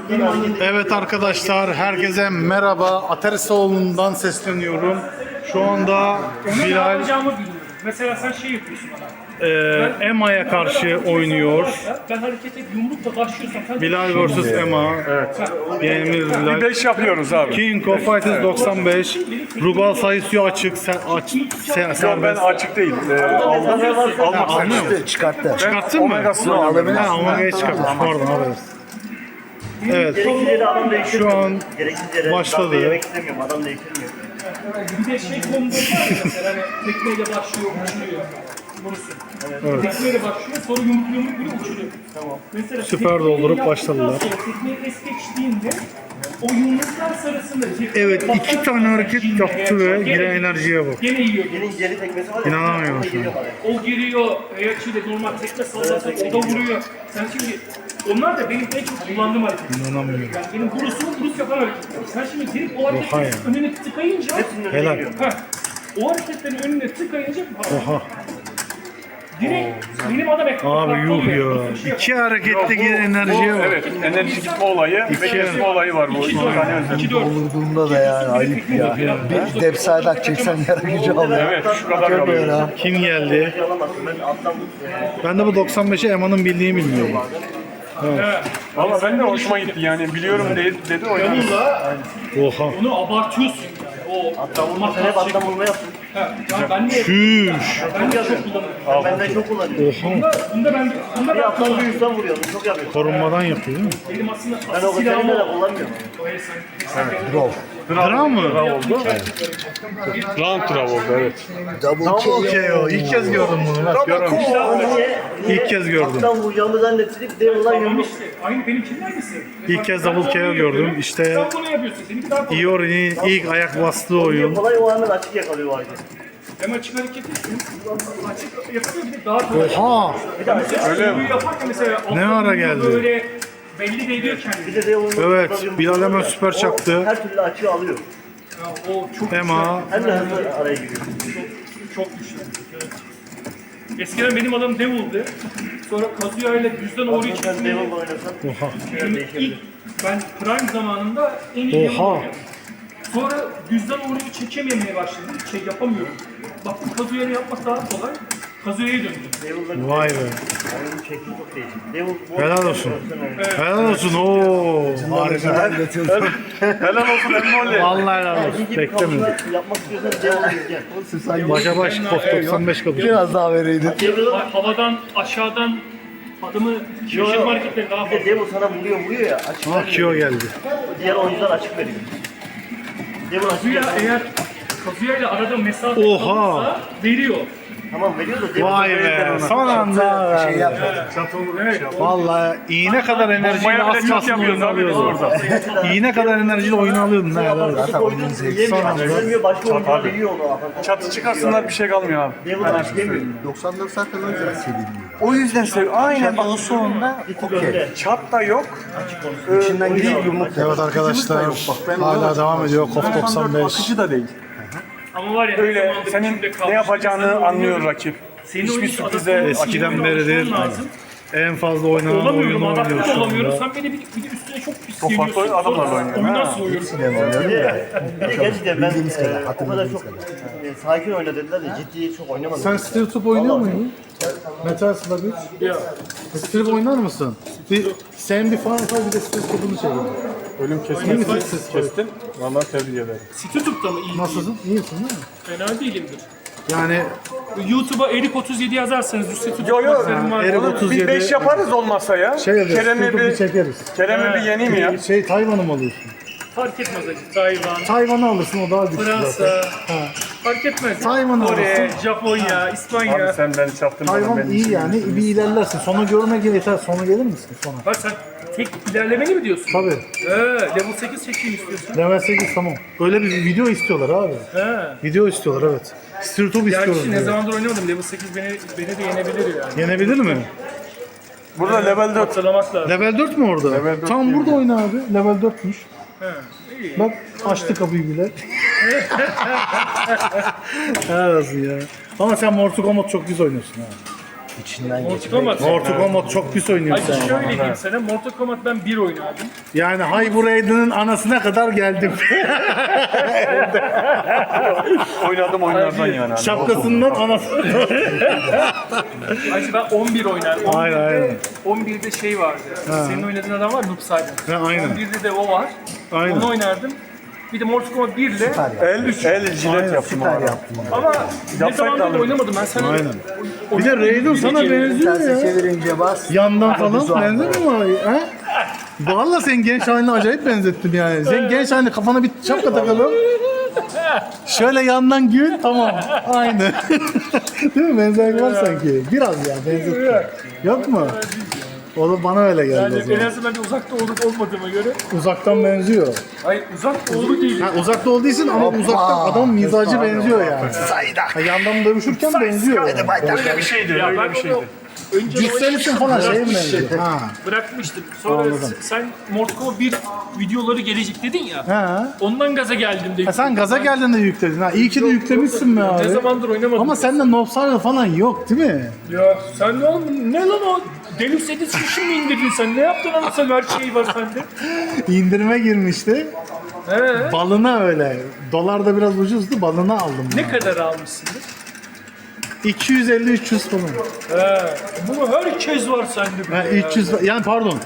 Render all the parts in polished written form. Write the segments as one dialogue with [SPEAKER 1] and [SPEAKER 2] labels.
[SPEAKER 1] Evet arkadaşlar, herkese merhaba. Aterisoğlu'ndan sesleniyorum. Şu anda
[SPEAKER 2] Ne
[SPEAKER 1] Bilal
[SPEAKER 2] yapacağımı bilmiyorum. Mesela sen şey yapıyorsun bana.
[SPEAKER 1] Emma'ya karşı oynuyor.
[SPEAKER 2] Ben harekete yumrukla başlıyorsam sen
[SPEAKER 1] Bilal vs Emma. Evet. Yenimiz Bilal.
[SPEAKER 3] 5 yapıyoruz abi.
[SPEAKER 1] King of Fighters 95. Rugal sayısı açık.
[SPEAKER 3] Ben
[SPEAKER 1] Serbest.
[SPEAKER 3] açık değil. Almak
[SPEAKER 1] Almıyor mu?
[SPEAKER 4] Çıkarttı.
[SPEAKER 1] Çıkarttın mı?
[SPEAKER 3] Omegasını
[SPEAKER 1] Ha,
[SPEAKER 3] alabilirsin.
[SPEAKER 1] Omega'yı çıkartmış. Pardon haber. Evet. Şu an başladı.
[SPEAKER 5] Yemek istemiyorum, adam da yedirmiyor.
[SPEAKER 2] bir de şey konuda var ya mesela hani tekmeyle başlıyor, uçuruyor. Vurursun. Evet. Tekmeyle başlıyor, sonra yumruk böyle uçuruyor. Tamam. Mesela
[SPEAKER 1] Süper
[SPEAKER 2] tekmeyi
[SPEAKER 1] doldurup
[SPEAKER 2] yaptıktan
[SPEAKER 1] başladılar.
[SPEAKER 2] sonra Tekmeyi es geçtiğinde o yumruklar sırasında
[SPEAKER 1] Evet, iki tane hareket yaptı ve yine enerjiye bak.
[SPEAKER 2] Gene yiyor.
[SPEAKER 5] Gelin geri tekmesi var ya.
[SPEAKER 1] İnanamıyorum şu an.
[SPEAKER 2] O giriyor, Eyaçi'yle normal tekme sallasa o da vuruyor. Sen şimdi, onlar da benim en çok kullandığım hareketler.
[SPEAKER 1] İnanamıyorum.
[SPEAKER 2] Yani benim Bruce yapan hareketler. Sen şimdi girip o
[SPEAKER 1] Oha
[SPEAKER 2] hareketlerin
[SPEAKER 1] ya.
[SPEAKER 2] önüne tıkayınca,
[SPEAKER 1] Helal.
[SPEAKER 2] o hareketlerin önüne tıkayınca
[SPEAKER 1] Oha.
[SPEAKER 2] direkt benim adam ekranı
[SPEAKER 1] Abi yuh ya. İki harekette yine enerjiye bak.
[SPEAKER 3] Evet, enerji gitme olayı ve kesme olayı var bu. İki tane özellik.
[SPEAKER 2] 2-4.
[SPEAKER 4] Vurduğunda da yani ayıp ya. Bir depsaydak çeksen yarı gücü alıyor.
[SPEAKER 3] Evet, şu kadar kalıyor.
[SPEAKER 1] Kim geldi?
[SPEAKER 5] Alamazsın, ben alttan
[SPEAKER 1] Ben de bu 95'i Emma'nın bildiğini bilmiyorum.
[SPEAKER 3] Valla ben de hoşuma gitti yani biliyorum dedi o yani.
[SPEAKER 1] Oha.
[SPEAKER 2] Onu abartıyorsun. O
[SPEAKER 5] vurma, sen hep alttan vurma yaptın.
[SPEAKER 2] yani ben de
[SPEAKER 1] Şüş.
[SPEAKER 2] ben de çok kullanıyorum.
[SPEAKER 5] Benden çok kullanıyorum.
[SPEAKER 1] Oha.
[SPEAKER 2] Bunda
[SPEAKER 5] Bir
[SPEAKER 2] ben
[SPEAKER 5] alttan bir üstten vuruyorum, çok yapıyorum.
[SPEAKER 1] Korunmadan yapıyor değil mi?
[SPEAKER 2] benim aslında
[SPEAKER 5] Ben o
[SPEAKER 2] silahım
[SPEAKER 5] seninle de
[SPEAKER 2] o.
[SPEAKER 5] kullanmıyorum.
[SPEAKER 1] Dram mı?
[SPEAKER 3] Round trav oldu evet.
[SPEAKER 4] Double
[SPEAKER 1] KO. İlk kez gördüm bunu. Bak görmemiştim.
[SPEAKER 5] Niye?
[SPEAKER 1] İlk kez gördüm.
[SPEAKER 5] Alttan vuracağımı zannettik, de ulan
[SPEAKER 2] Tamam
[SPEAKER 5] yumruk.
[SPEAKER 2] işte. Aynı benimkinden misin?
[SPEAKER 1] İlk kez double KO gördüm. İşte
[SPEAKER 2] Sen bunu yapıyorsun. Seninki daha kolay.
[SPEAKER 1] Iori'nin ilk ayak bastığı oyun.
[SPEAKER 5] Kolay o hemen açık yakalıyor o hareket.
[SPEAKER 2] Hem açık hareket etsin. Açık yapıyor bir de daha kolay.
[SPEAKER 1] Oha.
[SPEAKER 3] Öyle mi?
[SPEAKER 2] Yaparken mesela
[SPEAKER 1] Ne ara geldi?
[SPEAKER 2] Böyle belli değiyor kendini.
[SPEAKER 5] Bir de de onu
[SPEAKER 1] Evet. Bilal hemen süper çaktı.
[SPEAKER 5] her türlü açığı alıyor.
[SPEAKER 2] Ya, o çok
[SPEAKER 1] Emma.
[SPEAKER 5] Hem de hızlı araya giriyor.
[SPEAKER 2] çok güçlü. Evet. Eskiden benim adım Devil'di. Sonra Kazuya ile düzden Ori'yi
[SPEAKER 5] Sen
[SPEAKER 2] çekmeyi
[SPEAKER 5] Devil oynasan
[SPEAKER 1] Oha.
[SPEAKER 2] ilk ben Prime zamanında en iyi Devil
[SPEAKER 1] Oha.
[SPEAKER 2] oynadım. Sonra düzden Ori'yi çekememeye başladım. Şey yapamıyorum. Baktım Kazuya'yı yapmak daha kolay. Kazuya'ya döndüm.
[SPEAKER 5] Devil'da
[SPEAKER 1] Vay be.
[SPEAKER 5] oyunun şekli çok değişik. Devil bu
[SPEAKER 1] Helal olsun. Helal olsun. Oo. Harika.
[SPEAKER 3] Helal olsun Emmoli.
[SPEAKER 1] Vallahi helal olsun.
[SPEAKER 5] gibi
[SPEAKER 1] Beklemedim.
[SPEAKER 5] kavga yapmak istiyorsan Devil'ı gel.
[SPEAKER 1] Başa baş KOF 95 kapı.
[SPEAKER 4] Biraz daha vereydin.
[SPEAKER 2] Havadan aşağıdan adımı şaşırma hareketleri daha fazla.
[SPEAKER 5] Devil sana vuruyor ya açık
[SPEAKER 1] Ah Kyo geldi.
[SPEAKER 5] diğer oyuncular açık veriyor. Devil açık
[SPEAKER 2] Kazuya
[SPEAKER 5] veriyor.
[SPEAKER 2] eğer Kazuya ile arada mesafe
[SPEAKER 1] Oha.
[SPEAKER 2] kalırsa veriyor.
[SPEAKER 5] Tamam veriyor da Devil
[SPEAKER 1] Vay be. Son anda.
[SPEAKER 4] Şey yapma.
[SPEAKER 1] Vallahi iğne kadar enerjiyle
[SPEAKER 3] Bombaya bile
[SPEAKER 1] az
[SPEAKER 3] çok
[SPEAKER 1] kalsın
[SPEAKER 3] yapıyoruz
[SPEAKER 1] oyunu
[SPEAKER 3] abi biz
[SPEAKER 1] alıyordun.
[SPEAKER 3] orada.
[SPEAKER 1] İğne kadar enerjiyle oyunu alıyordun. Ne helal olsun.
[SPEAKER 5] Zaten oyunun yemiyor. Yemiyor başka oyuncular veriyor onu.
[SPEAKER 3] Çatı çıkarsınlar bir şey kalmıyor abi.
[SPEAKER 5] Devil açık yemiyor.
[SPEAKER 4] 94 zaten o yüzden sevilmiyor.
[SPEAKER 3] O yüzden aynen bak
[SPEAKER 4] Sonunda okey.
[SPEAKER 3] çat da yok.
[SPEAKER 4] İçinden giriyor yumruk.
[SPEAKER 1] Evet arkadaşlar. Hala devam ediyor KOF 95.
[SPEAKER 3] Akıcı da değil.
[SPEAKER 2] Ama var ya
[SPEAKER 3] Öyle
[SPEAKER 2] zamanda
[SPEAKER 3] senin
[SPEAKER 2] içinde kalmış
[SPEAKER 3] ne yapacağını
[SPEAKER 2] bir insan
[SPEAKER 3] anlıyor
[SPEAKER 2] oynuyor.
[SPEAKER 3] rakip.
[SPEAKER 2] Senin
[SPEAKER 3] Hiçbir
[SPEAKER 2] oyuncu
[SPEAKER 3] sürprize
[SPEAKER 2] adapte
[SPEAKER 1] Eskiden
[SPEAKER 2] olman
[SPEAKER 1] beridir
[SPEAKER 2] lazım.
[SPEAKER 1] en fazla oynanan
[SPEAKER 2] Olamıyorum,
[SPEAKER 1] oyunu oynuyor
[SPEAKER 2] adapte
[SPEAKER 1] şu
[SPEAKER 2] olamıyorum.
[SPEAKER 1] anda.
[SPEAKER 2] Sen beni bir de üstüne çok pis
[SPEAKER 3] Çok farklı
[SPEAKER 2] geliyorsun.
[SPEAKER 3] adamlarla
[SPEAKER 2] Sonra
[SPEAKER 3] oynuyor,
[SPEAKER 2] oyundan
[SPEAKER 3] ha.
[SPEAKER 2] soğuyorsun.
[SPEAKER 5] Bir de gerçekten ben
[SPEAKER 4] Bildiğimiz kadar,
[SPEAKER 5] o kadar
[SPEAKER 4] hatırladığımız
[SPEAKER 5] çok sakin oyna dediler de ciddi çok oynamadım.
[SPEAKER 1] Sen Steel Top oynuyor muydun? Metal Slug 3.
[SPEAKER 2] Ya.
[SPEAKER 1] Steel oynar mısın? Sen bir Final Fight bir de Steel Top'unu çekin.
[SPEAKER 3] Ölüm kestin. Vallahi tebrik ederim.
[SPEAKER 2] Situtup'ta mı iyi?
[SPEAKER 1] Nasılsın? İyisin değil mi?
[SPEAKER 2] Fena değilimdir.
[SPEAKER 1] Yani
[SPEAKER 2] YouTube'a Erik 37 yazarsanız Situtup
[SPEAKER 3] Yo yo.
[SPEAKER 1] Erik
[SPEAKER 3] Onu
[SPEAKER 1] 37
[SPEAKER 3] bir 5 yaparız olmazsa ya.
[SPEAKER 1] şey yapıyoruz,
[SPEAKER 3] Kerem'i
[SPEAKER 1] Steel Top'u
[SPEAKER 3] bir
[SPEAKER 1] çekeriz.
[SPEAKER 3] yeneyim mi ya?
[SPEAKER 1] Şey Tayvan'ı mı alıyorsun?
[SPEAKER 2] fark etmez acı. Tayvan,
[SPEAKER 1] Tayvan'ı alırsın o daha güçlü zaten.
[SPEAKER 2] Fransa, fark etmez.
[SPEAKER 1] Tayvan
[SPEAKER 2] Kore,
[SPEAKER 1] alırsın.
[SPEAKER 2] Japonya, İspanya.
[SPEAKER 3] Abi sen beni çaktın.
[SPEAKER 1] Tayvan iyi yani bir ilerlersin. Sona görmek yeter. Sona gelir misin sona?
[SPEAKER 2] Bak sen tek ilerlemeli mi diyorsun?
[SPEAKER 1] Tabii.
[SPEAKER 2] Level 8 çekeyim istiyorsun.
[SPEAKER 1] Level 8 tamam. Öyle bir video istiyorlar abi.
[SPEAKER 2] He.
[SPEAKER 1] Video istiyorlar evet. Steel Top istiyorlar.
[SPEAKER 2] Gerçi ne
[SPEAKER 1] diyor.
[SPEAKER 2] zamandır oynamadım. Level 8 beni de yenebilir yani.
[SPEAKER 1] Yenebilir mi?
[SPEAKER 3] Burada level 4.
[SPEAKER 2] Hatırlamak lazım.
[SPEAKER 1] Level 4 mü orada?
[SPEAKER 3] Level 4
[SPEAKER 1] Tam
[SPEAKER 3] değil
[SPEAKER 1] burada oyna abi. Level 4'müş.
[SPEAKER 2] He. İyi.
[SPEAKER 1] Bak açtı kapıyı bile. Helal olsun ya. Ama sen Mortal Kombat çok güzel oynuyorsun ha.
[SPEAKER 4] İçinden
[SPEAKER 2] Mortal
[SPEAKER 4] geçmek.
[SPEAKER 2] Kombat.
[SPEAKER 1] Mortal Kombat çok pis oynuyorsun.
[SPEAKER 2] Hadi şöyle diyeyim sana. Mortal Kombat ben 1 oynardım.
[SPEAKER 1] Yani Hyper Raiden'ın anasına kadar geldim.
[SPEAKER 3] Oynadım oyunlardan yani. Hani.
[SPEAKER 1] Şapkasından anasına.
[SPEAKER 2] Hacı ben 11 oynardım.
[SPEAKER 1] Aynen, aynen.
[SPEAKER 2] 11'de şey vardı. Senin oynadığın adam var Noob Saibot.
[SPEAKER 1] Ha, aynen.
[SPEAKER 2] 11'de de o var.
[SPEAKER 1] Aynen.
[SPEAKER 2] Onu oynardım. Bir de Mortal Kombat 1 ile
[SPEAKER 3] El jilet yaptım
[SPEAKER 4] Süper
[SPEAKER 3] abi.
[SPEAKER 4] yaptın.
[SPEAKER 2] ama ne zamandır da oynamadım ben sana.
[SPEAKER 1] Aynen. Bir de Raiden sana benziyor
[SPEAKER 4] Terse
[SPEAKER 1] ya.
[SPEAKER 4] çevirince bas.
[SPEAKER 1] Yandan
[SPEAKER 4] Hadi
[SPEAKER 1] falan
[SPEAKER 4] Zuhal.
[SPEAKER 1] benzemiyor mu? He? Valla sen genç haline acayip benzettim yani. Sen genç haline kafana bir şapka takalım. Şöyle yandan gül tamam. Aynı. Değil mi? Benzerlik var sanki. Biraz ya benzettim. Yok mu? O da bana öyle geldi o
[SPEAKER 2] Yani en
[SPEAKER 1] zaman.
[SPEAKER 2] azından bir uzakta olup olmadığıma göre.
[SPEAKER 1] Uzaktan benziyor.
[SPEAKER 2] Hayır uzak doğru değil.
[SPEAKER 1] Ha, uzakta olduğu ama uzaktan adam mizacı benziyor yani. Ha, yandan dövüşürken benziyor. Yani.
[SPEAKER 3] Öyle bir şeydi.
[SPEAKER 2] Ya
[SPEAKER 3] Öyle
[SPEAKER 2] ben
[SPEAKER 3] bir şeydi.
[SPEAKER 2] onu önce
[SPEAKER 1] Cüsselisin falan şeye mi benziyor? Ha.
[SPEAKER 2] bırakmıştım. Sonra
[SPEAKER 1] Anladım.
[SPEAKER 2] sen Mortal Kombat 1 videoları gelecek dedin ya.
[SPEAKER 1] Ha.
[SPEAKER 2] Ondan gaza geldim de.
[SPEAKER 1] Ha, sen gaza geldin de yükledin. Ha. İyi ki de yüklemişsin be
[SPEAKER 2] Ne
[SPEAKER 1] abi.
[SPEAKER 2] zamandır oynamadım.
[SPEAKER 1] Ama sende Nobsar'da falan yok değil mi?
[SPEAKER 2] Ya sen ne lan o? Deluxe Edition mi indirdin sen? Ne yaptın anasını her şey var sende?
[SPEAKER 1] İndirime girmişti.
[SPEAKER 2] He.
[SPEAKER 1] Balına öyle. Dolar da biraz ucuzdu. Balına aldım.
[SPEAKER 2] Ne kadar almışsındır?
[SPEAKER 1] 250-300 falan.
[SPEAKER 2] He. Bunu herkes var sende.
[SPEAKER 1] Ha, 300 yani pardon.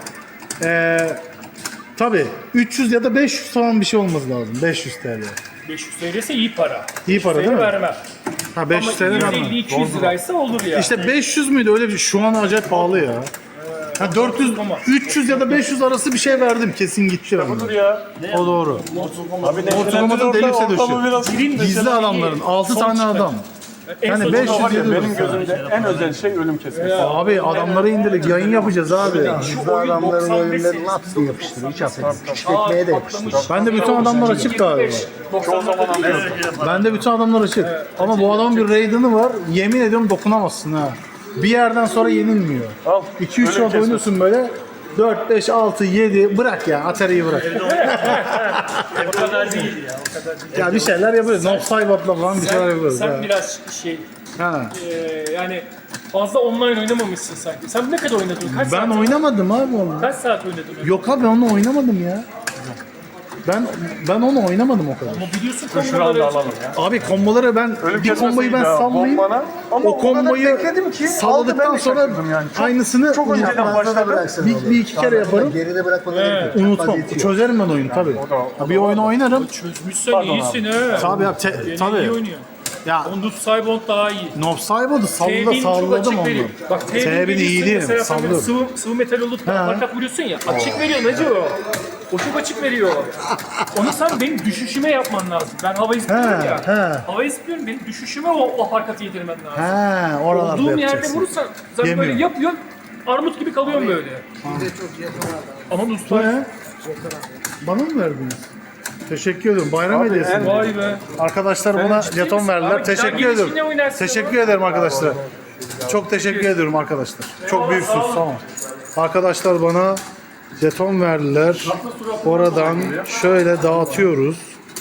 [SPEAKER 1] Tabii 300 ya da 500 falan bir şey olması lazım. 500 TL.
[SPEAKER 2] 500 TL ise iyi para.
[SPEAKER 1] İyi para değil mi?
[SPEAKER 2] Vermem.
[SPEAKER 1] Ha 500 TL
[SPEAKER 2] Ama
[SPEAKER 1] vermem.
[SPEAKER 2] 150-200 liraysa olur ya.
[SPEAKER 1] İşte 500 müydü öyle bir şu an acayip pahalı ya. Ha 400 300 ya da 500 arası bir şey verdim kesin gitti benden.
[SPEAKER 3] Dur ya.
[SPEAKER 1] O doğru.
[SPEAKER 3] Abi ne
[SPEAKER 1] Ortalamanın Deluxe
[SPEAKER 3] ortamı biraz
[SPEAKER 1] Gizli adamların 6 tane adam. Yani
[SPEAKER 2] son
[SPEAKER 1] 500
[SPEAKER 3] var ya,
[SPEAKER 1] yedi
[SPEAKER 3] benim
[SPEAKER 1] mesela.
[SPEAKER 3] gözümde en özel şey ölüm kesmesi.
[SPEAKER 1] Abi adamları indirdik yayın yapacağız abi.
[SPEAKER 4] Bizde adamların oyunları laps diye yapıştırıyor. Hiç affedin. Küçük ekmeğe de yapıştırıyor.
[SPEAKER 1] Ben de bütün adamlar açık galiba.
[SPEAKER 3] Çoğu zaman anlıyorum.
[SPEAKER 1] Ben de bütün adamlar açık. Ama bu adamın bir Raiden'ı var. Yemin ediyorum dokunamazsın ha. Bir yerden sonra yenilmiyor.
[SPEAKER 3] Al.
[SPEAKER 1] 2-3
[SPEAKER 3] Ölüm
[SPEAKER 1] saat
[SPEAKER 3] kesmesi.
[SPEAKER 1] oynuyorsun böyle. 4, 5, 6, 7 bırak ya. Atari'yi bırak.
[SPEAKER 2] O kadar değil ya. O kadar değil.
[SPEAKER 1] Ya bir şeyler yapıyoruz. Nob Saibot'la falan bir şeyler yapıyoruz.
[SPEAKER 2] Sen
[SPEAKER 1] ha.
[SPEAKER 2] biraz şey
[SPEAKER 1] Ha.
[SPEAKER 2] yani fazla online oynamamışsın sanki. Sen ne kadar oynadın? Kaç
[SPEAKER 1] Ben
[SPEAKER 2] saat?
[SPEAKER 1] oynamadım abi onu.
[SPEAKER 2] Kaç saat oynadın?
[SPEAKER 1] Yok abi ben onu oynamadım ya. Ben onu oynamadım o kadar.
[SPEAKER 2] Ama biliyorsun
[SPEAKER 3] Şuranı da
[SPEAKER 2] konuları.
[SPEAKER 3] alalım ya.
[SPEAKER 1] Abi komboları ben
[SPEAKER 3] Ölüm
[SPEAKER 1] bir komboyu ben
[SPEAKER 3] kesmesiydi ha,
[SPEAKER 1] sallayayım.
[SPEAKER 3] bombana. Ama
[SPEAKER 1] O komboyu
[SPEAKER 3] bekledim ki
[SPEAKER 1] salladıktan
[SPEAKER 3] aldı, ben de
[SPEAKER 1] sonra
[SPEAKER 3] şaşırdım yani.
[SPEAKER 1] aynısını
[SPEAKER 3] çok önceden
[SPEAKER 1] unutmam.
[SPEAKER 3] başladı.
[SPEAKER 1] Bir iki kere yaparım.
[SPEAKER 4] Geride bırakmadan
[SPEAKER 1] Unutmam. Çözerim ben oyunu tabii.
[SPEAKER 3] o
[SPEAKER 1] Bir oyunu oynarım.
[SPEAKER 2] Çözmüşsen iyisin he.
[SPEAKER 1] Tabii ya
[SPEAKER 2] Yeni iyi
[SPEAKER 1] tabii.
[SPEAKER 2] oynuyor.
[SPEAKER 1] Ya
[SPEAKER 2] Ondut Saibot daha iyi.
[SPEAKER 1] Nob Saibot'u
[SPEAKER 2] T1'in çok
[SPEAKER 1] salladım
[SPEAKER 2] açık
[SPEAKER 1] onu.
[SPEAKER 2] veriyor. Bak
[SPEAKER 1] T1'i
[SPEAKER 2] T1'in
[SPEAKER 1] iyi değil,
[SPEAKER 2] mesela sen böyle
[SPEAKER 1] sallıyorum.
[SPEAKER 2] sıvı metal olup da markat vuruyorsun ya. Açık veriyor Nacı o. O çok açık veriyor. Onu sen benim düşüşüme yapman lazım. Ben hava istiyorum
[SPEAKER 1] He,
[SPEAKER 2] ya.
[SPEAKER 1] he.
[SPEAKER 2] Hava istiyorum benim düşüşüme o harekatı yedirmen lazım.
[SPEAKER 1] He, oralarda
[SPEAKER 2] Olduğum yerde
[SPEAKER 1] yapacaksın.
[SPEAKER 2] vurursan sen
[SPEAKER 1] Yemiyor.
[SPEAKER 2] böyle yapıyorsun. Armut gibi kalıyorsun böyle. Ama
[SPEAKER 1] Bu
[SPEAKER 2] usta.
[SPEAKER 1] ne? Bana mı verdiniz? Teşekkür ederim. Bayram hediyesi.
[SPEAKER 2] Vay be.
[SPEAKER 1] Arkadaşlar buna jeton verdiler.
[SPEAKER 2] Abi,
[SPEAKER 1] Teşekkür
[SPEAKER 2] güzel
[SPEAKER 1] ederim.
[SPEAKER 2] gelişine oynarsın
[SPEAKER 1] Teşekkür ederim arkadaşlar. Çok teşekkür ediyorum arkadaşlar. Çok büyüksünüz. Sağ olun. Arkadaşlar bana jeton verdiler. Oradan şöyle dağıtıyoruz.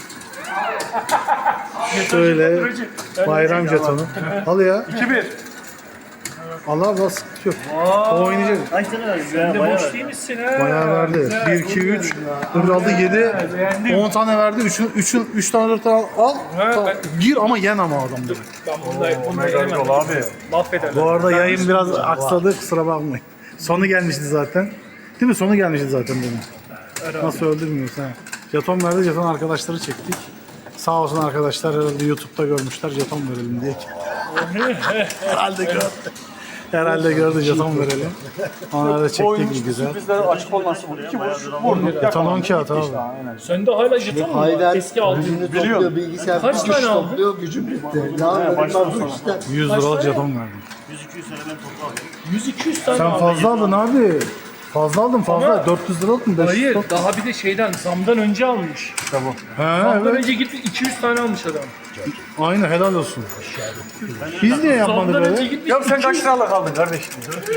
[SPEAKER 1] Şöyle bayram jetonu. Al ya.
[SPEAKER 3] 2-1.
[SPEAKER 1] Allah Allah sıkıntı yok. O oynayacak.
[SPEAKER 2] Sen de boş değil misin ha?
[SPEAKER 1] Bayağı verdi. 1, 2, 3, 4, 6, 7, 10 tane verdi. 3 tane 4 tane al. Tamam. Gir ama yen ama adamları.
[SPEAKER 2] Ben bunu
[SPEAKER 3] Mega yol abi.
[SPEAKER 2] mahvederler.
[SPEAKER 1] Bu arada yayın biraz aksadı kusura bakmayın. Sonu gelmişti zaten. Değil mi? Sonu gelmişti zaten benim. Nasıl öldürmüyorsun ha? Jeton verdi, jeton arkadaşları çektik. Sağ olsun arkadaşlar herhalde YouTube'da görmüşler jeton verelim diye. Herhalde gördü. Herhalde gördü jeton verelim. Onları da çektik bir güzel.
[SPEAKER 3] Sürprizlere açık olması bu. 2 vuruş vurdu.
[SPEAKER 1] Jeton 10 kağıt abi.
[SPEAKER 2] Sen de hala jeton mu var?
[SPEAKER 4] Hayden
[SPEAKER 2] Eski aldın.
[SPEAKER 4] gücünü topluyor, bilgisayar
[SPEAKER 2] Kaç
[SPEAKER 4] güç
[SPEAKER 2] tane aldın?
[SPEAKER 4] topluyor, gücüm bitti. Ne yapayım bu işte.
[SPEAKER 1] 100 liralık jeton verdim.
[SPEAKER 2] 100-200 tane
[SPEAKER 1] Sen
[SPEAKER 2] aldın.
[SPEAKER 1] fazla aldın abi. Fazla aldın fazla.
[SPEAKER 2] Ama-
[SPEAKER 1] 400 liralık mı? 500
[SPEAKER 2] Hayır,
[SPEAKER 1] liralık?
[SPEAKER 2] daha bir de şeyden, zamdan önce almış.
[SPEAKER 1] He,
[SPEAKER 2] Zamdan
[SPEAKER 1] evet.
[SPEAKER 2] önce gitmiş 200 tane almış adam.
[SPEAKER 1] Aynen helal olsun. Biz niye yapmadık
[SPEAKER 2] Zamdan önce
[SPEAKER 1] böyle?
[SPEAKER 2] gitmiş
[SPEAKER 3] Ya sen
[SPEAKER 2] 200.
[SPEAKER 3] kaç liralık aldın kardeşim?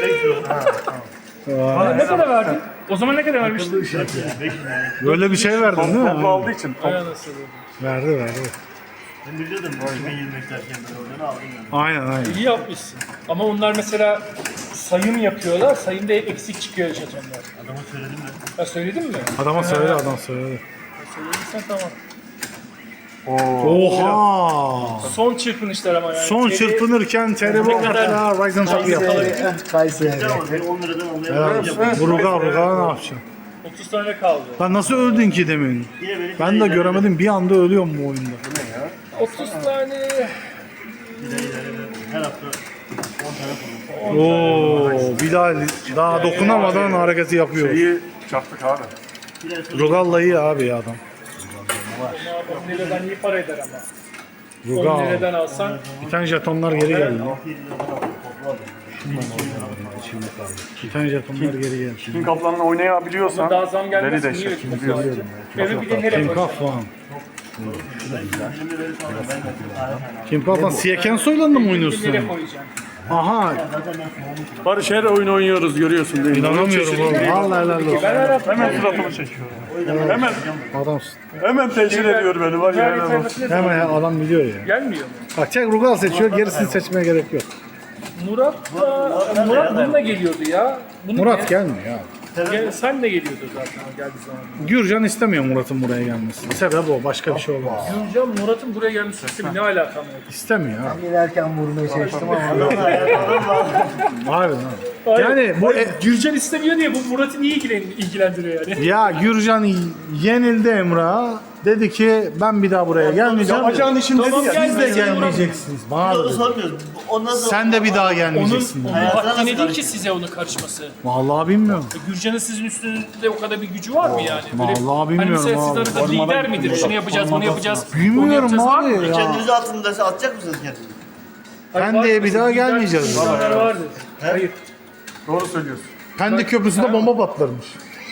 [SPEAKER 2] Ne kadar verdin? O zaman ne kadar vermiştin?
[SPEAKER 1] Böyle bir şey verdin değil
[SPEAKER 3] Toplu
[SPEAKER 1] mi?
[SPEAKER 3] aldığı için.
[SPEAKER 2] Ay anasını.
[SPEAKER 1] Verdi.
[SPEAKER 5] Ben biliyordum 2025 derken ben oradan aldım yani.
[SPEAKER 1] Aynen.
[SPEAKER 2] İyi yapmışsın. Ama onlar mesela sayım yapıyorlar. Sayımda eksik çıkıyor jetonlar.
[SPEAKER 5] Adama söyledim ben.
[SPEAKER 2] Ha söyledin mi?
[SPEAKER 1] Adama söyle, adam söyledi.
[SPEAKER 2] Söylediysen tamam.
[SPEAKER 1] Oha!
[SPEAKER 2] Son çırpınışlar ama yani.
[SPEAKER 1] Son
[SPEAKER 2] Teri-
[SPEAKER 1] çırpınırken Terrible hatta Ryzen Top yaptı.
[SPEAKER 4] Kayseri.
[SPEAKER 5] Ama beni 10 liradan almaya
[SPEAKER 1] Evet. Ruga ne yapacaksın?
[SPEAKER 2] 30 tane kaldı.
[SPEAKER 1] Lan nasıl öldün ki demin?
[SPEAKER 5] Yine beni
[SPEAKER 1] Ben de göremedim, bir anda ölüyorum bu oyunda.
[SPEAKER 2] 30 tane.
[SPEAKER 5] Her hafta 10 tane koydum.
[SPEAKER 1] Oo, Bilal daha dokunamadan hareketi yapıyor.
[SPEAKER 3] İyi çaktık abi.
[SPEAKER 1] Rugal'la iyi abi ya adam.
[SPEAKER 2] 10 liradan iyi para eder ama. 10
[SPEAKER 1] Rugal.
[SPEAKER 2] liradan alsan
[SPEAKER 1] Bir tane jetonlar geri geldi.
[SPEAKER 5] 6-7 liradan aldım. Toplu aldım.
[SPEAKER 1] Bir tane jetonlar geri geldi.
[SPEAKER 3] King Kaplan'la oynayabiliyorsan
[SPEAKER 2] daha zam gelmez.
[SPEAKER 3] deli
[SPEAKER 2] Niye
[SPEAKER 3] deşir.
[SPEAKER 2] ödüyorsun? Evi bir de nereye
[SPEAKER 1] Kim
[SPEAKER 2] koyacaksın?
[SPEAKER 1] Kafan. Kim Kafan Siyaken Soylan'la mı oynuyorsun?
[SPEAKER 2] Nereye koyacaksın?
[SPEAKER 1] Aha,
[SPEAKER 3] Barış her oyun oynuyoruz görüyorsun değil mi?
[SPEAKER 1] inanamıyorum oğlum. Vallahi helal olsun.
[SPEAKER 2] Ben her hafta
[SPEAKER 3] Hemen suratımı çekiyor.
[SPEAKER 1] Adamsın.
[SPEAKER 3] Hemen teşhir ediyor beni var ya. helal olsun.
[SPEAKER 1] Hemen adam biliyor ya.
[SPEAKER 2] gelmiyor mu?
[SPEAKER 1] Bak tek Rugal seçiyor, gerisini seçmeye gerek yok.
[SPEAKER 2] Murat bununla geliyordu ya. Bunu
[SPEAKER 1] Murat gelmiyor ya.
[SPEAKER 2] sen de geliyordu zaten o geldiği zaman.
[SPEAKER 1] Gürcan istemiyor Murat'ın buraya gelmesini. Sebep o, başka bir şey olmaz.
[SPEAKER 2] Gürcan Murat'ın buraya gelmesi istemi ne alakam var?
[SPEAKER 1] İstemiyor abi.
[SPEAKER 4] Giderken vurmaya çalıştım ama.
[SPEAKER 1] Harbiden abi. Yani bu
[SPEAKER 2] Gürcan istemiyor diye bu Murat'ı niye ilgilendiriyor yani?
[SPEAKER 1] ya Gürcan yenildi Emrah'a. Dedi ki ben bir daha buraya gelmeyeceğim.
[SPEAKER 3] Yapacağın işin dedi
[SPEAKER 2] Tamam,
[SPEAKER 3] ya.
[SPEAKER 2] gel.
[SPEAKER 1] Siz de gelmeyeceksiniz. Bana da
[SPEAKER 5] Onu
[SPEAKER 1] dedi.
[SPEAKER 5] sormuyoruz. Ondan sonra
[SPEAKER 1] Sen de bir daha gelmeyeceksin.
[SPEAKER 2] Onun
[SPEAKER 1] dedi.
[SPEAKER 2] haddine değil ki size onun karışması.
[SPEAKER 1] Vallahi bilmiyorum.
[SPEAKER 2] Gürcan'ın sizin üstünüzde o kadar bir gücü var mı yani?
[SPEAKER 1] Vallahi bilmiyorum
[SPEAKER 2] Hani
[SPEAKER 1] abi.
[SPEAKER 2] mesela siz arada lider midir? Şunu yapacağız, bunu yapacağız. bunu
[SPEAKER 1] Bilmiyorum
[SPEAKER 2] yapacağız var
[SPEAKER 1] abi
[SPEAKER 2] mı?
[SPEAKER 1] ya.
[SPEAKER 5] kendinizi atın derse atacak mısınız kendinizi?
[SPEAKER 1] Pendik'e bir daha gelmeyeceğiz.
[SPEAKER 2] İnsanlar vardır. Hayır.
[SPEAKER 3] Doğru söylüyorsun.
[SPEAKER 1] Pendik köprüsünde bomba patlarmış.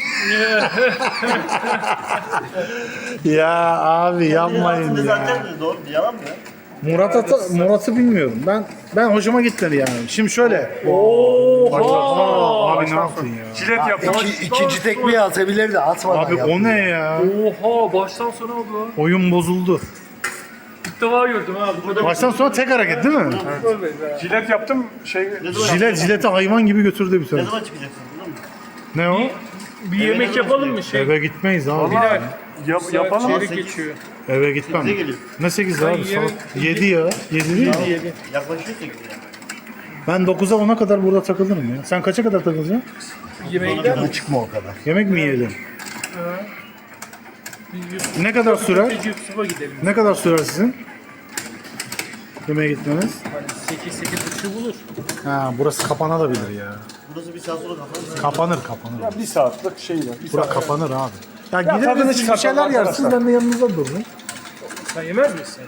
[SPEAKER 1] Ya abi yapmayın
[SPEAKER 5] Kendinizi
[SPEAKER 1] ya.
[SPEAKER 5] atacak mısınız? Doğru. Yalan mı ya?
[SPEAKER 1] Murat'ı bilmiyorum. Ben hoşuma gitmedi yani. Şimdi şöyle.
[SPEAKER 2] Oha!
[SPEAKER 1] Abi ne yaptın ya?
[SPEAKER 3] Cilet yaptım.
[SPEAKER 4] İkinci tekmeyi atabilirdi. Atmadan
[SPEAKER 1] Abi
[SPEAKER 4] yaptı.
[SPEAKER 1] o ne ya?
[SPEAKER 2] Oha! Baştan sona oldu.
[SPEAKER 1] Oyun bozuldu.
[SPEAKER 2] İlk defa gördüm ha. Burada
[SPEAKER 1] Baştan sonra tek hareket değil mi?
[SPEAKER 3] Cilet yaptım şey
[SPEAKER 1] Jileti hayvan gibi götürdü bir
[SPEAKER 5] Ne
[SPEAKER 1] tane.
[SPEAKER 5] zaman çıkacaksınız? Biliyor musun?
[SPEAKER 1] Ne o?
[SPEAKER 2] bir yemek yapalım mı şey?
[SPEAKER 1] Eve gitmeyiz abi.
[SPEAKER 3] yapalım.
[SPEAKER 2] Çeyrek geçiyor.
[SPEAKER 1] Eve gitmem.
[SPEAKER 5] Bize geliyor.
[SPEAKER 1] Ne 8 abi?
[SPEAKER 2] yemek-
[SPEAKER 1] Saat 7 ya. 7 değil mi?
[SPEAKER 5] Yaklaşıyor 8 ya.
[SPEAKER 1] Ben 9'a 10'a kadar burada takılırım ya. Sen kaça kadar takılacaksın?
[SPEAKER 2] Yemeğe gider mi?
[SPEAKER 4] Çıkma o kadar.
[SPEAKER 1] Yemek mi yiyelim? Ne kadar sürer?
[SPEAKER 2] Yusuf'a gidelim.
[SPEAKER 1] Ne kadar sürer sizin? Yemeğe gitmeniz?
[SPEAKER 2] Hani 8-8.5 bulur.
[SPEAKER 1] Ha, burası kapanabilir ya.
[SPEAKER 5] Burası bir saat sonra kapanır.
[SPEAKER 1] Kapanır.
[SPEAKER 3] Bir saatlik şey var. Bir
[SPEAKER 1] Bura
[SPEAKER 3] saat.
[SPEAKER 1] kapanır abi. Ya,
[SPEAKER 3] tadını
[SPEAKER 1] gideriz siz bir
[SPEAKER 3] çıkartalım
[SPEAKER 1] şeyler yersiniz,
[SPEAKER 3] arkadaşlar.
[SPEAKER 1] ben de yanınızda dururum.
[SPEAKER 2] Sen yemez misin?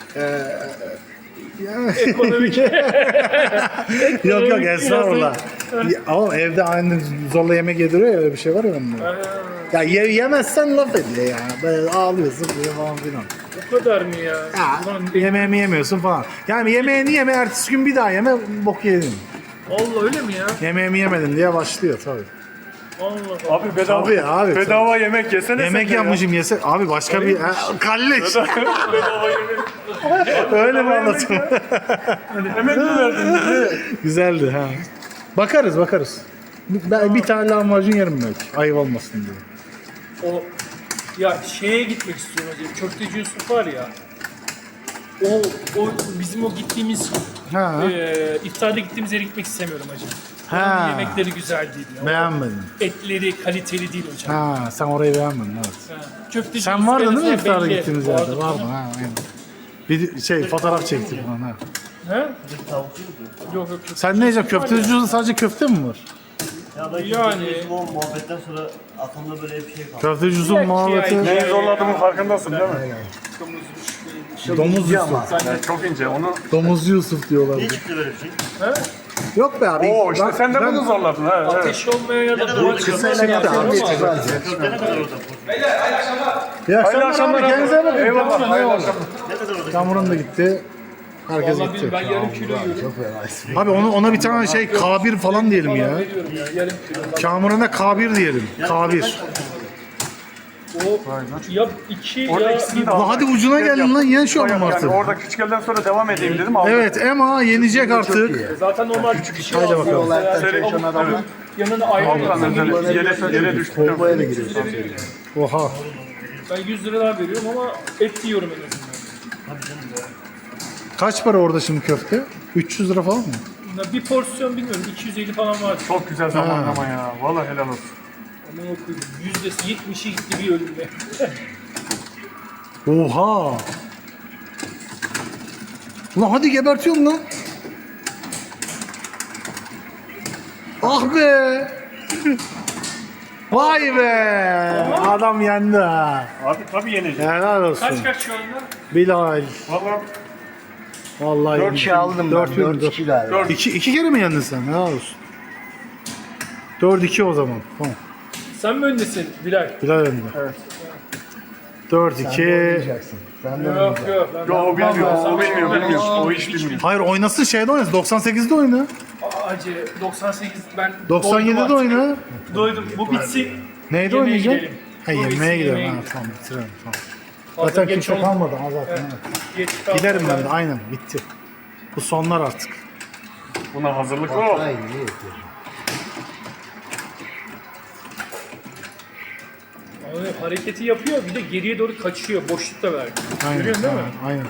[SPEAKER 1] Yok yok estağfurullah. Ama evde aynı zorla yemek yediriyor ya, öyle bir şey var ya bunda. Ya yemezsen laf ediyor ya. Böyle ağlıyorsun böyle falan filan.
[SPEAKER 2] O kadar mı ya?
[SPEAKER 1] Ya
[SPEAKER 2] Ulan
[SPEAKER 1] yemeğimi yemiyorsun falan. Yani yemeğini yeme, ertesi gün bir daha yeme, bok yedin.
[SPEAKER 2] Allah öyle mi ya?
[SPEAKER 1] Yemeğimi yemedin diye başlıyor tabii.
[SPEAKER 2] Allah Allah.
[SPEAKER 3] Abi bedava,
[SPEAKER 1] Tabii abi,
[SPEAKER 3] bedava yemek yesene
[SPEAKER 1] Yemek
[SPEAKER 3] sen de ya.
[SPEAKER 1] yapmışım yese. Abi başka bir... Kalleş.
[SPEAKER 3] Bedava yemek.
[SPEAKER 1] Öyle mi anlatayım?
[SPEAKER 3] Emek mi verdin bize?
[SPEAKER 1] Güzeldi ha. Bakarız. Ben bir tane lahmacun yerim belki. Ayıp olmasın diye.
[SPEAKER 2] O ya şeye gitmek istiyorum hocam. Köfteci Yusuf var ya. O bizim o gittiğimiz
[SPEAKER 1] Ha.
[SPEAKER 2] iftarda gittiğimiz yere gitmek istemiyorum hocam.
[SPEAKER 1] Ha.
[SPEAKER 2] Oranın yemekleri güzel değil. Ya.
[SPEAKER 1] Beğenmedim.
[SPEAKER 2] Etleri kaliteli değil hocam.
[SPEAKER 1] Ha, sen orayı beğenmedin evet.
[SPEAKER 2] Ha. Köfteci
[SPEAKER 1] Sen
[SPEAKER 2] Yusuf
[SPEAKER 1] vardın
[SPEAKER 2] en
[SPEAKER 1] değil mi
[SPEAKER 2] azından
[SPEAKER 1] iftara
[SPEAKER 2] belli.
[SPEAKER 1] gittiğimiz yerde?
[SPEAKER 2] Vardım.
[SPEAKER 1] Vardın ha. Aynen. Bir şey fotoğraf çektik falan ha.
[SPEAKER 2] Ha?
[SPEAKER 5] Tavukçuydu.
[SPEAKER 2] Yok yok.
[SPEAKER 1] Sen ne yiyeceksin? Köfteci sadece köfte mi var?
[SPEAKER 5] Ya ben
[SPEAKER 2] Yani-
[SPEAKER 5] bu muhabbetten sonra aklımda böyle bir şey kaldı.
[SPEAKER 1] Köfteci Yusuf
[SPEAKER 2] Belki
[SPEAKER 1] muhabbeti.
[SPEAKER 2] yani.
[SPEAKER 3] Neyi zorladığımın farkındasın değil mi?
[SPEAKER 1] Domuz Yusuf.
[SPEAKER 3] Yani çok ince onu.
[SPEAKER 1] Domuzcu Yusuf diyorlar.
[SPEAKER 5] Niye çıktı böyle bir şey?
[SPEAKER 1] Yok be abi.
[SPEAKER 3] Oo işte
[SPEAKER 1] Bak,
[SPEAKER 3] sen de
[SPEAKER 1] ben-
[SPEAKER 3] bunu zorladın ha. Evet.
[SPEAKER 2] Ateş olmaya ya da
[SPEAKER 5] kadar
[SPEAKER 2] duvar
[SPEAKER 5] oldu?
[SPEAKER 2] çıkmasına
[SPEAKER 1] Kısayla
[SPEAKER 2] yapıyorum
[SPEAKER 1] gitti
[SPEAKER 2] ama.
[SPEAKER 5] Köfte ne kadar orada?
[SPEAKER 1] İyi
[SPEAKER 3] Hayırlı
[SPEAKER 1] akşamlar
[SPEAKER 3] akşamlar
[SPEAKER 1] abi. Kendinize iyi bakın.
[SPEAKER 3] Eyvallah.
[SPEAKER 1] Tamam,
[SPEAKER 3] Hayırlı
[SPEAKER 1] eyvallah.
[SPEAKER 3] akşamlar.
[SPEAKER 5] Ne kadar orada?
[SPEAKER 1] Kamuran da gitti. Herkes
[SPEAKER 2] Vallahi
[SPEAKER 1] gitti.
[SPEAKER 2] ben yarım kilo yiyorum.
[SPEAKER 1] Abi ona bir tane şey K1 falan diyelim ya.
[SPEAKER 2] Veriyorum ya yarım kilo.
[SPEAKER 1] Kamuran'a K1 diyelim. K1.
[SPEAKER 2] O ya 2
[SPEAKER 3] Orada
[SPEAKER 2] ya
[SPEAKER 3] ikisini de
[SPEAKER 1] Lan
[SPEAKER 3] aldım.
[SPEAKER 1] hadi ucuna geldin lan, yen şu adamı
[SPEAKER 3] Yani
[SPEAKER 1] artık.
[SPEAKER 3] orada küçük elden sonra devam edeyim dedim. Aldım.
[SPEAKER 1] Evet, Ema yenecek artık.
[SPEAKER 2] zaten normal küçük şey
[SPEAKER 1] Haydi bakalım.
[SPEAKER 4] Çalışan adamlar
[SPEAKER 2] yanına ayrı
[SPEAKER 3] Aldım ben yere düştüm.
[SPEAKER 4] bombaya da giriyor.
[SPEAKER 1] Oha.
[SPEAKER 2] Ben 100 lira daha veriyorum ama et yiyorum en azından.
[SPEAKER 1] Kaç para orada şimdi köfte? 300 lira falan mı?
[SPEAKER 2] Ya bir porsiyon bilmiyorum 250 falan var.
[SPEAKER 3] Çok güzel zamanlama ya. Vallahi helal olsun.
[SPEAKER 2] Ama okuyayım. %70'i gitti bir ölümle.
[SPEAKER 1] Oha. Ulan hadi gebertiyorum lan. Ah be. Vay be. Adam yendi ha.
[SPEAKER 3] Abi tabii yeneceğim.
[SPEAKER 1] Helal olsun.
[SPEAKER 2] Kaç şu anda?
[SPEAKER 1] Bilal.
[SPEAKER 3] Vallahi
[SPEAKER 1] Vallahi
[SPEAKER 4] 4 kişi aldım ben. 4-2 galiba.
[SPEAKER 1] İki kere mi yendin sen? Helal olsun. 4-2 o zaman. Tamam.
[SPEAKER 2] Sen mi öndesin Bilal?
[SPEAKER 1] Bilal yendi.
[SPEAKER 3] Evet.
[SPEAKER 1] 4-2.
[SPEAKER 4] Oynayacaksın. Ben de
[SPEAKER 2] Yok
[SPEAKER 4] oynayacağım.
[SPEAKER 2] yok.
[SPEAKER 3] Yo, o bilmiyor. O bilmiyor.
[SPEAKER 2] Ben-
[SPEAKER 3] Bilmiyor. O
[SPEAKER 2] hiç
[SPEAKER 3] iş bilmiyor.
[SPEAKER 1] Hayır oynasın, şeyde oynasın. 98'de oyna.
[SPEAKER 2] Acı 98 ben
[SPEAKER 1] 97'de
[SPEAKER 2] doydum
[SPEAKER 1] oyna.
[SPEAKER 2] artık. Doydum. Bu bitsin.
[SPEAKER 1] Neyde
[SPEAKER 2] Yemeğe
[SPEAKER 1] oynayacaksın?
[SPEAKER 2] gidelim.
[SPEAKER 1] Ha
[SPEAKER 2] Bu
[SPEAKER 1] yemeğe
[SPEAKER 2] bitsin,
[SPEAKER 1] gidelim.
[SPEAKER 2] yemeğe
[SPEAKER 1] Ha,
[SPEAKER 2] gidelim.
[SPEAKER 1] tamam bitirelim. Tamam.
[SPEAKER 2] Fazla
[SPEAKER 1] Zaten
[SPEAKER 2] geç
[SPEAKER 1] kimse
[SPEAKER 2] oldu.
[SPEAKER 1] kalmadı ha zaten.
[SPEAKER 2] Evet.
[SPEAKER 1] evet.
[SPEAKER 2] Geç kaldı.
[SPEAKER 1] Giderim ben de aynen bitti. Bu sonlar artık.
[SPEAKER 3] Buna hazırlıklı ol.
[SPEAKER 4] Hayır, iyi yapıyor.
[SPEAKER 2] Abi, hareketi yapıyor bir de geriye doğru kaçıyor. Boşlukta verdi.
[SPEAKER 1] Aynen.
[SPEAKER 2] Görüyorsun değil mi?
[SPEAKER 1] Aynen.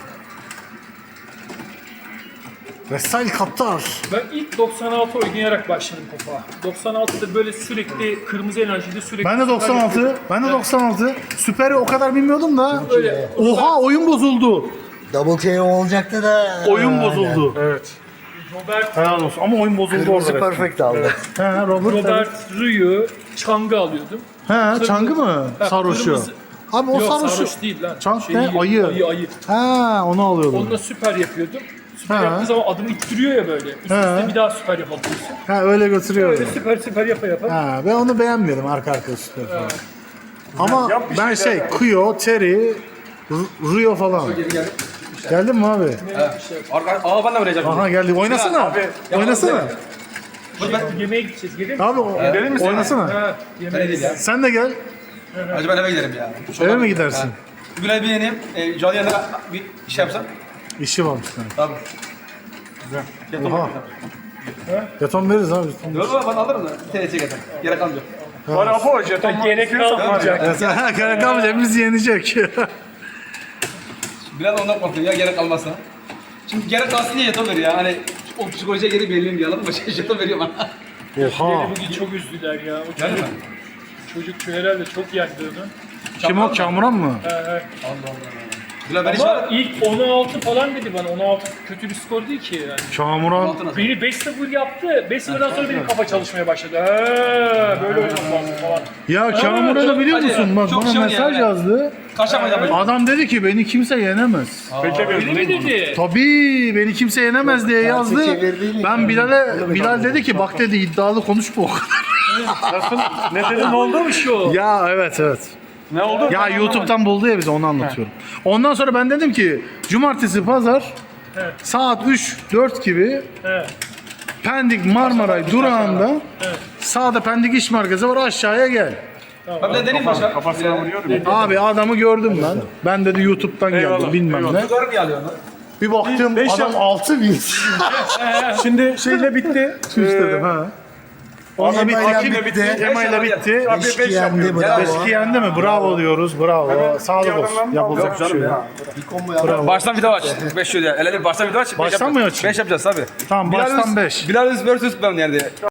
[SPEAKER 1] Vesel Kaptar.
[SPEAKER 2] Ben ilk 96 oynayarak başladım topa. 96'da böyle sürekli kırmızı enerjide sürekli...
[SPEAKER 1] Ben de 96. Ben de 96. Süper'i o kadar bilmiyordum da.
[SPEAKER 2] Böyle
[SPEAKER 1] Oha oyun bozuldu.
[SPEAKER 4] Double KO olacaktı da.
[SPEAKER 1] Oyun bozuldu.
[SPEAKER 3] Evet.
[SPEAKER 2] Robert,
[SPEAKER 1] Helal olsun ama oyun bozuldu
[SPEAKER 4] Kırmızı
[SPEAKER 1] orada.
[SPEAKER 4] perfect aldı.
[SPEAKER 1] He Robert.
[SPEAKER 2] Robert Ryu, Chang'ı alıyordum.
[SPEAKER 1] He Çangı mı?
[SPEAKER 2] Ha,
[SPEAKER 1] Sarhoşu.
[SPEAKER 2] kırmızı-
[SPEAKER 1] Abi o
[SPEAKER 2] Yok
[SPEAKER 1] sarhoşu.
[SPEAKER 2] sarhoş değil lan.
[SPEAKER 1] Chang ne? Ayı.
[SPEAKER 2] Ayı.
[SPEAKER 1] Ha onu alıyordum.
[SPEAKER 2] Onunla süper yapıyordum. Süper
[SPEAKER 1] Ha.
[SPEAKER 2] yaptığı zaman adımı ittiriyor ya böyle. Üst üste bir daha süper yapabiliyorsun.
[SPEAKER 1] Ha öyle götürüyor.
[SPEAKER 2] Böyle süper yapa yapa.
[SPEAKER 1] Ha ben onu beğenmiyordum arka süper falan. Ama
[SPEAKER 3] Yap bir
[SPEAKER 1] ben
[SPEAKER 3] şeyler
[SPEAKER 1] şey Kuyo, Terry, Rio falan. Geldin mi abi?
[SPEAKER 6] Aa ben de oynayacağım.
[SPEAKER 1] Aha geldi. Oynasana. Oynasana.
[SPEAKER 2] Yemeğe gideceğiz. Gelir misin?
[SPEAKER 1] Abi
[SPEAKER 3] Gidelim mi sen?
[SPEAKER 1] oynasana.
[SPEAKER 2] Ha, yemeğe
[SPEAKER 6] Öyle değil ya.
[SPEAKER 1] Sen de gel.
[SPEAKER 6] Hacı ben eve giderim ya.
[SPEAKER 1] Eve mi gidersin?
[SPEAKER 6] Bugün bir yeneyim. Canlı yanında bir şey yapsam.
[SPEAKER 1] İşi varmış senin.
[SPEAKER 6] Tamam.
[SPEAKER 1] Oha. Jeton veririz abi. jeton.
[SPEAKER 6] Yok ben alırım da. Bir TLC getir. Gerek kalmayacak.
[SPEAKER 3] Var Apo jeton
[SPEAKER 2] Gerek
[SPEAKER 3] istiyorsan var ya.
[SPEAKER 2] kalmayacak.
[SPEAKER 1] Ha Karakam hepimiz yenecek.
[SPEAKER 6] Biraz ondan korkuyorum ya gerek kalmazsa. Şimdi gerek kalsın diye jeton veriyor ya. Hani o psikolojiye geri belirleyeyim diye anladın mı? Jeton veriyor bana.
[SPEAKER 1] Oha.
[SPEAKER 2] Beni bugün çok üzdüler ya. O
[SPEAKER 6] Geldi
[SPEAKER 2] çocuk,
[SPEAKER 6] mi?
[SPEAKER 2] çocuk şu herhalde çok yendi onu.
[SPEAKER 1] Kim o? Kamuran mı?
[SPEAKER 6] Bilal ben hiç
[SPEAKER 2] Ama ilk 16 falan dedi bana. 16 kötü bir skor değil ki yani.
[SPEAKER 1] Kamuran.
[SPEAKER 2] Beni 5-0 yaptı. 5-0'dan sonra benim kafa çalışmaya başladı. Ha, böyle oynamak lazım falan.
[SPEAKER 1] Ya Kamuran'ı biliyor
[SPEAKER 6] hadi
[SPEAKER 1] musun?
[SPEAKER 6] ya,
[SPEAKER 1] Bak
[SPEAKER 6] çok
[SPEAKER 1] bana
[SPEAKER 6] şey
[SPEAKER 1] mesaj
[SPEAKER 6] yani.
[SPEAKER 1] yazdı.
[SPEAKER 6] kaçamayacağım.
[SPEAKER 1] Adam dedi ki beni kimse yenemez.
[SPEAKER 3] Beklemiyordum
[SPEAKER 2] Öyle mi
[SPEAKER 3] değil mi?
[SPEAKER 2] dedi?
[SPEAKER 1] Tabii beni kimse yenemez diye yazdı.
[SPEAKER 4] çevirdiğini
[SPEAKER 1] Ben Bilal dedi ki bak dedi iddialı konuşma o kadar.
[SPEAKER 3] Nasıl? Ne dedin ne oldu?
[SPEAKER 2] Bir şey o.
[SPEAKER 1] Ya evet.
[SPEAKER 3] Ne oldu?
[SPEAKER 1] Ya YouTube'dan buldu ya bize onu anlatıyorum. Ondan sonra ben dedim ki cumartesi pazar
[SPEAKER 2] Evet.
[SPEAKER 1] saat 3-4 gibi
[SPEAKER 2] He.
[SPEAKER 1] Pendik Marmaray durağında sağda Pendik İş Merkezi var aşağıya gel.
[SPEAKER 6] Ben de deneyim başa.
[SPEAKER 3] Kafasına vuruyorum.
[SPEAKER 1] Abi adamı gördüm ben. Ben dedi YouTube'dan geldim
[SPEAKER 3] Eyvallah,
[SPEAKER 1] bilmem
[SPEAKER 3] eyvallah.
[SPEAKER 1] ne.
[SPEAKER 6] Yukarı niye alıyorsun lan?
[SPEAKER 1] Bir baktım
[SPEAKER 3] Beş
[SPEAKER 1] adam
[SPEAKER 3] yap-
[SPEAKER 1] 6000.
[SPEAKER 3] Şimdi şeyle bitti.
[SPEAKER 1] Tüş dedim ha. Onunla
[SPEAKER 4] Ema
[SPEAKER 1] bitti.
[SPEAKER 4] ile bitti.
[SPEAKER 1] Ema ile bitti.
[SPEAKER 3] Abi 5
[SPEAKER 4] yendi,
[SPEAKER 3] yapıyorum.
[SPEAKER 4] bravo.
[SPEAKER 1] Eski yendi mi? Bravo diyoruz. Bravo. Sağlık olsun. Yapılacak bir şey yok.
[SPEAKER 4] Bir combo yaptı.
[SPEAKER 6] Baştan video aç. 5 diyor ya. El ele baştan video aç.
[SPEAKER 1] Baştan mı açayım?
[SPEAKER 6] 5 yapacağız tabii.
[SPEAKER 1] Tamam baştan 5.
[SPEAKER 6] Bilal vs ben yani.